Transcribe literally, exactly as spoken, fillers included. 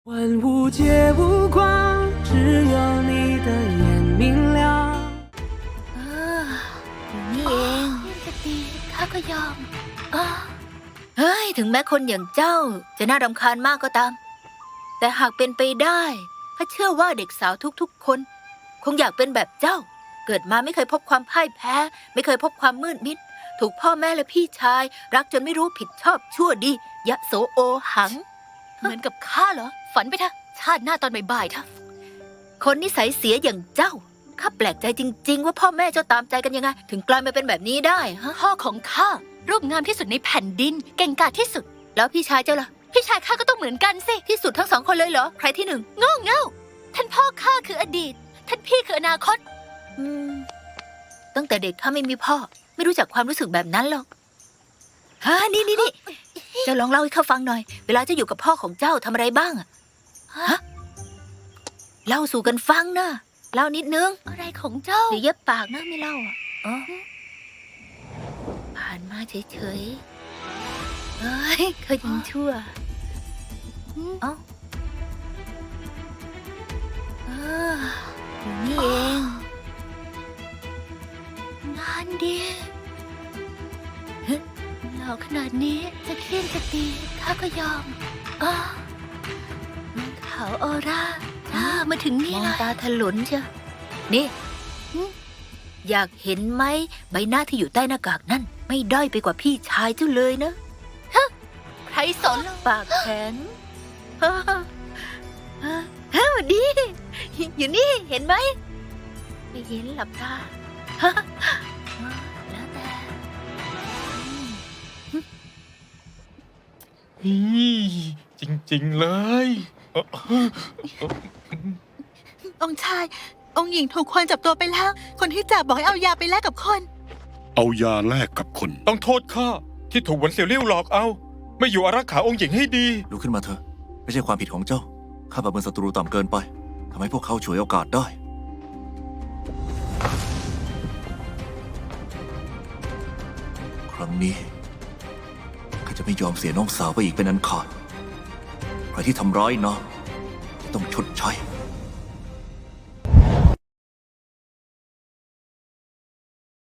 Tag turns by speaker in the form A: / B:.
A: 万物皆无光，只有你的眼明亮。
B: เอออยู่นี่เองจะตีข้าก็ยอมอ้าเฮ้ยถึงแม้คนอย่างเจ้าจะน่ารำคาญมากก็ตาม แต่หากเป็นไปได้ข้าเชื่อว่าเด็กสาวทุกๆคน คงอยากเป็นแบบเจ้า เกิดมาไม่เคยพบความพ่ายแพ้ ไม่เคยพบความมืดมิด ถูกพ่อแม่และพี่ชาย รักจนไม่รู้ผิดชอบชั่วดียะโสโอหัง เหมือนกับข้าเหรอ ฝันไปเถอะชาติหน้าตอนบ่ายๆเถอะคนนิสัยเสียอย่างเจ้าข้าแปลกใจจริงๆว่าพ่อแม่เจ้าตามใจกันยังไง ถึงกลายมาเป็นแบบนี้ได้ฮะพ่อของข้ารูปงามที่สุดในแผ่นดิน เก่งกาจที่สุด แล้วพี่ชายเจ้าล่ะ พี่ชายข้าก็ต้องเหมือนกันสิที่สุดทั้งสองคนเลยเหรอใครที่หนึ่งโง่เง่าท่านพ่อข้าคืออดีต ท่านพี่คืออนาคต อืม ตั้งแต่เด็กข้าไม่มีพ่อ ไม่รู้จักความรู้สึกแบบนั้นหรอกฮะนี่นี่นี่เจ้าลองเล่าให้ข้าฟังหน่อย เวลาเจ้าอยู่กับพ่อของเจ้าทำอะไรบ้างอะฮะเล่าสู่กันฟังนะเล่านิดนึงอะไรของเจ้าเดี๋ยวเย็บปากนะไม่เล่าอ่ะอ๋อผ่านมาเฉยๆเอ้ยเขายังชั่วเอ้าเอออยู่นี่เองงานดีหล่อขนาดนี้จะเคี่ยนจะตีข้าก็ยอมอ๋อขาวออร่าจ้ามาถึงนี่แล้วมองตาถลนเชียวนี่อยากเห็นไหมใบหน้าที่อยู่ใต้หน้ากากนั่นไม่ด้อยไปกว่าพี่ชายเจ้าเลยนะฮะใครสนปากแข็งฮะฮะวันดีอยู่นี่เห็นไหมไม่เห็นหลับตาฮะแล้วแต่
C: ฮีจริงๆเลยเอ่อ
D: องค์ชาย องค์หญิงถูกคนจับตัวไปแล้ว คนที่จับบอกให้เอายาไปแลกกับคน
E: เอายาแลกกับคน
C: ต้องโทษข้าที่ถูกหวนเสี่ยวเลี่ยวหลอกเอา ไม่อยู่อารักขาองค์หญิงให้ดี
F: ลุกขึ้นมาเถอะ ไม่ใช่ความผิดของเจ้า ข้าประเมินศัตรูต่ำเกินไปทำให้พวกเขาฉวยโอกาสได้ ครั้งนี้ข้าจะไม่ยอมเสียน้องสาวไปอีกเป็นอันขาด ใครที่ทำร้ายนางจะต้องชดใช้